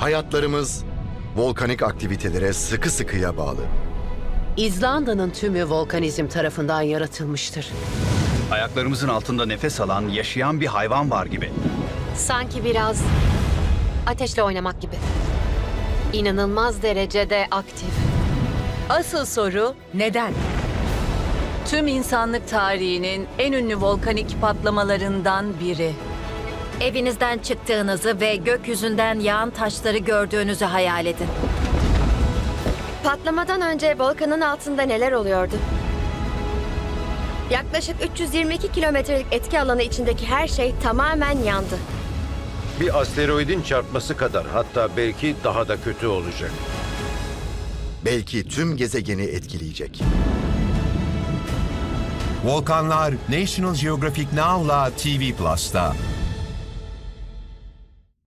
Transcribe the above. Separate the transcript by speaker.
Speaker 1: Hayatlarımız volkanik aktivitelere sıkı sıkıya bağlı.
Speaker 2: İzlanda'nın tümü volkanizm tarafından yaratılmıştır.
Speaker 3: Ayaklarımızın altında nefes alan, yaşayan bir hayvan var gibi.
Speaker 4: Sanki biraz ateşle oynamak gibi. İnanılmaz derecede aktif.
Speaker 5: Asıl soru neden? Tüm insanlık tarihinin en ünlü volkanik patlamalarından biri.
Speaker 6: Evinizden çıktığınızı ve gökyüzünden yağan taşları gördüğünüzü hayal edin.
Speaker 4: Patlamadan önce volkanın altında neler oluyordu? Yaklaşık 322 kilometrelik etki alanı içindeki her şey tamamen yandı.
Speaker 7: Bir asteroidin çarpması kadar, hatta belki daha da kötü olacak.
Speaker 1: Belki tüm gezegeni etkileyecek.
Speaker 8: Volkanlar National Geographic Now'la TV Plus'ta.